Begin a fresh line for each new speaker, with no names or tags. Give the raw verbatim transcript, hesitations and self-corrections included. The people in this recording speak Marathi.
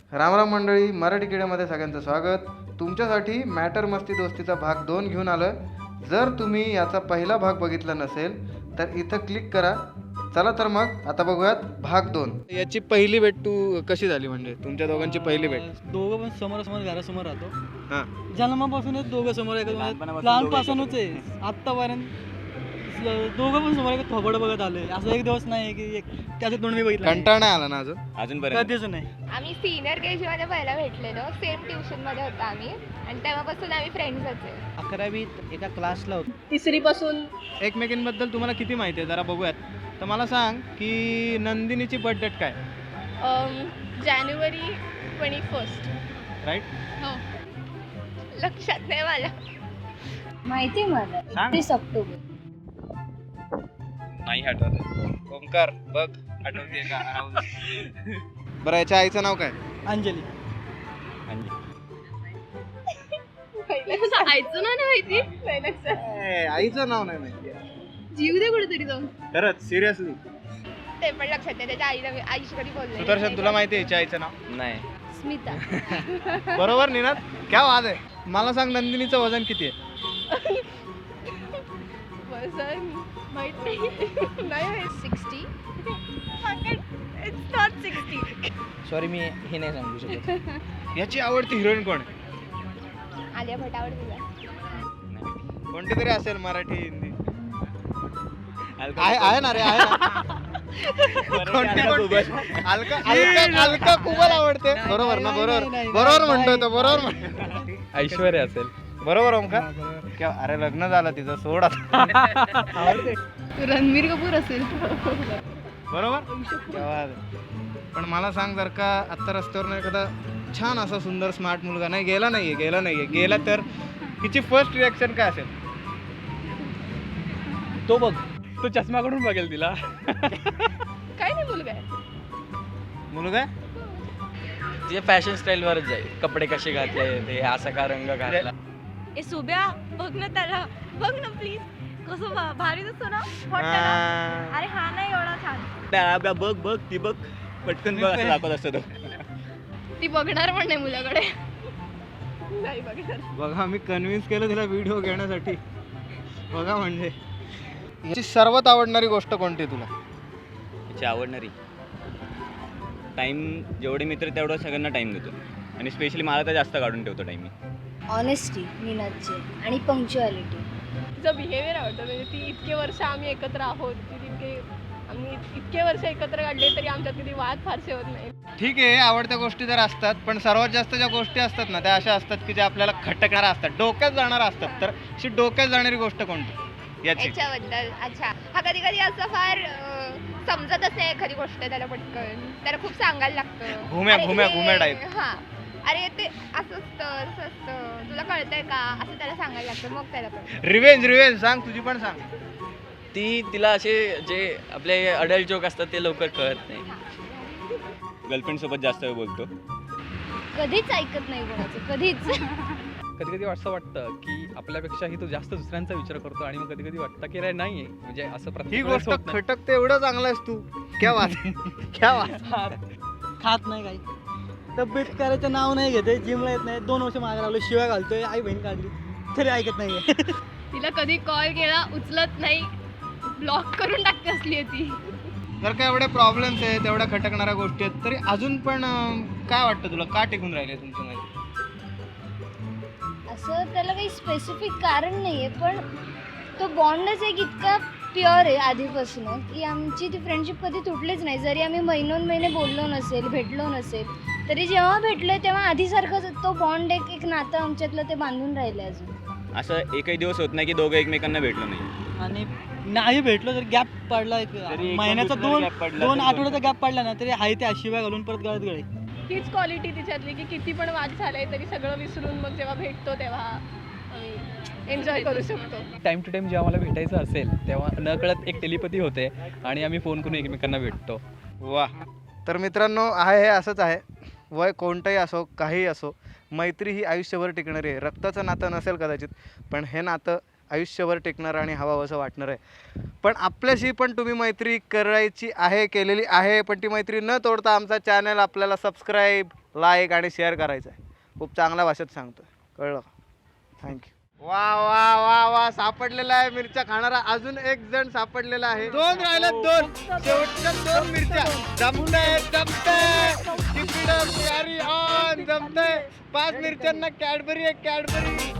रामराम मंडळी, मराठी किड्यामध्ये सगळ्यांचं स्वागत. तुमच्यासाठी मॅटर मस्ती दोस्तीचा भाग दोन घेऊन आलं. जर तुम्ही याचा पहिला भाग बघितला नसेल तर इथं क्लिक करा. चला तर मग आता बघूयात भाग दोन. याची पहिली भेट तू कशी झाली, म्हणजे तुमच्या दोघांची पहिली भेट?
दोघं पण समोर समोर घरासमोर राहतो.
हां,
जन्मापासूनच दोघं समोर आहे, लहानपासूनच आहे आत्तापर्यंत दोघं पण समोर एक थोबड बघत आलोय. असं एक दिवस नाही की एक त्याचं तोंड मी बघितलं.
कंटाळा नाही आला ना अजून
अजूनपर्यंत
कधीच नाही.
आम्ही सिनियर के जी मध्ये पहिला भेटलेलो, सेम ट्युशन मध्ये होतो आम्ही आणि तेव्हापासून आम्ही फ्रेंड्सच आहे.
अकरावीत एका क्लासला होतो.
तिसरी पासून
एकमेकींबद्दल तुम्हाला किती माहिती आहे जरा बघूयात. तर मला सांग की नंदिनीची बर्थ डेट काय?
जानेवारी ट्वेंटी फर्स्ट.
राईट?
हो, लक्षात नाही मला.
माहिती मला
सांग.
तीस ऑक्टोबर.
नाही आठवत.
ओंकार बघ, आठवते का? बरं, याच्या आईचं नाव काय?
अंजली.
आईचं नाव नाही माहिती.
ए, आईचं नाव नाही माहिती.
जीव दे कुठेतरी जाऊन.
खरंच सिरियसली?
ते पण लक्षात नाही. त्याच्या आईला आईशी कधी बोलले.
सुदर्शन, तुला माहिती आहे याच्या आईचं नाव?
नाही.
स्मिता.
बरोबर निनाद, क्या वाद आहे. मला सांग, नंदिनीचं वजन किती आहे?
वजन माहित नाही. नाही sixty. It's not sixty.
Sorry, मी हे नाही सांगू शकत.
याची आवडती हिरोईन कोण आहे?
आलिया भट आवडते तुला?
कोणती तरी असेल, मराठी हिंदी आहे आहे ना रे, आहे ना. कोणती कोणती? अलका अलका अलका कुबल आवडते. बरोबर ना? बरोबर बरोबर म्हणतोय तो, बरोबर म्हणतोय.
ऐश्वर्या असेल.
बरोबर ओंकार? क्या, अरे लग्न झालं तिचं, सोड आता.
रणबीर कपूर असेल.
बरोबर. क्या बात आहे. पण मला सांग, जर का आत्ता रस्त्यावर एखादा छान असा सुंदर स्मार्ट मुलगा नाही गेला नाहीये गेला नाहीये गेला तर तिची फर्स्ट रिॲक्शन काय असेल?
तो बघ,
तो चष्मा कडून बघेल तिला.
काय नाही मुलगा आहे.
मुलगा
तिच्या फॅशन स्टाईल वरच जाईल. कपडे कसे घातले, ते असा का रंग घातला.
ए सुब्या, बघ ना त्याला, बघ ना प्लीज. कसं भा- भारी दिसतो ना वाटतं ना? अरे हा नाही एवढा छान.
बघ बघ ती बघ, पटकन बघ असं दाखवत असतो तो.
ती बघणार पण नाही मुलाकडे. नाही बघणार.
बघा, मी कन्व्हिन्स केलं तिला व्हिडिओ घेण्यासाठी. बघा, म्हणजे याची सर्वात आवडणारी गोष्ट कोणती तुला?
तिची आवडणारी टाइम, जेवढे मित्र तेवढं सगळ्यांना टाइम देतो आणि स्पेशली मला तर जास्त काढून ठेवतो टाइम मी.
ऑनेस्टी निनादची आणि पंक्च्युअलिटी.
तिचं बिहेवियर आवडतं. म्हणजे ती इतके वर्ष आम्ही एकत्र आहोत, ती तितके आम्ही इतके वर्ष एकत्र काढले तरी आमच्यात कधी वाद फारसे होत नाही.
ठीक आहे, आवडत्या गोष्टी जर असतात, पण सर्वात जास्त ज्या गोष्टी असतात ना त्या अशा असतात की ज्या आपल्याला खटकणाऱ्या असतात, डोक्यात जाणाऱ्या असतात. तर अशी डोक्यात जाणारी गोष्ट कोणती याची?
याच्याबद्दल अच्छा, हा कधी कधी असं फार अं, समजतच नाही एखादी गोष्ट त्याला पटकन. त्याला खूप सांगायला लागतं.
घुम्या-
अरे
घुम्या-
हे-
घुम्या type.
हा, अरे ते असं असतं असं असतं, तुला कळतंय का, असं त्याला सांगायला लागतं, मग त्याला कळतं.
रिवेंज रिवेंज सांग, तुझी पण सांग.
ती तिला असे जे आपले अडल्ट जोक असतात ते लवकर कळत नाही. गर्लफ्रेंड सोबत जास्त वेळ बोलतो.
कधीच ऐकत नाही कोणाचं, कधीच.
कधी कधी असं वाटतं की आपल्यापेक्षाही तो जास्त दुसऱ्यांचा विचार करतो आणि मग कधी कधी वाटतं की रे नाहीये, म्हणजे असं
ही
प्रत्येक
गोष्ट
वेळेस होत नाही.
खटकते एवढं चांगलं आहेस तू. क्या वाद क्या वाद.
खात नाही काही, तब्येत करायचं नाव नाही घेते, जिमला येत नाही, दोन वर्ष मागे लागलो, शिवाय घालतोय, आई बहीण काढली तरी ऐकत नाही.
तिला कधी कॉल केला उचलत नाही, ब्लॉक करून टाकते असली आहे ती.
जर का एवढे प्रॉब्लेम्स आहेत, एवढ्या खटकणाऱ्या गोष्टी आहेत, तरी अजून पण अं, काय वाटतं तुला, का टिकून राहिले तुमच्या मध्ये?
असं त्याला काही स्पेसिफिक कारण नाही आहे, पण तो बॉन्डच एक इतका प्युअर आहे आधीपासून की आमची ती फ्रेंडशिप कधी तुटलीच नाही. जरी आम्ही महिनोन महिने बोललो नसेल, भेटलो नसेल, तरी जेव्हा भेटलोय तेव्हा आधीसारखंच तो बॉन्ड, एक एक नातं आमच्यातलं ते बांधून राहिलं अजून.
असं एकही दिवस होत नाही की दोघं एकमेकांना भेटलो नाही.
आणि नाही भेटलो तर गॅप पडला, एक
तरी एक
महिन्याचा
दुसरा
दोन
gap पडला
दोन
तरी
आठवड्याचा गॅप पडला ना तरी आहे त्या शिवाय घालून परत गळत गळे.
हीच क्वालिटी तिच्यातली की किती पण वाद झालाय तरी सगळं विसरून मग जेव्हा भेटतो तेव्हा आम्ही एन्जॉय करू शकतो.
टाइम टू टाइम जेव्हा मला भेटायचं असेल तेव्हा नकळत एक टेलिपॅथी होते आणि आम्ही फोन करून एकमेकांना भेटतो.
वा. तर मित्रांनो, आहे हे असंच आहे. वय कोणतंही असो, काहीही असो, मैत्री ही आयुष्यभर टिकणारी आहे. रक्ताचं नातं नसेल कदाचित, पण हे नातं आयुष्यभर टिकणारं आणि हवावंसं वाटणार आहे. पण आपल्याशी पण तुम्ही मैत्री करायची आहे, केलेली आहे, पण ती मैत्री न तोडता आमचा चॅनल आपल्याला सबस्क्राईब, लाईक आणि शेअर करायचं आहे. खूप चांगल्या भाषेत सांगतो, कळलं? थँक्यू. वा वा वा वा सापडलेला आहे मिरच्या खाणारा अजून एक जण सापडलेला आहे. दोन राहिल्या, दोन शेवटच्या दोन मिरच्या. जमतंय जमतंय Keep it up, carry on. जमतंय. पाच मिरच्यांना कॅडबरी आहे, कॅडबरी.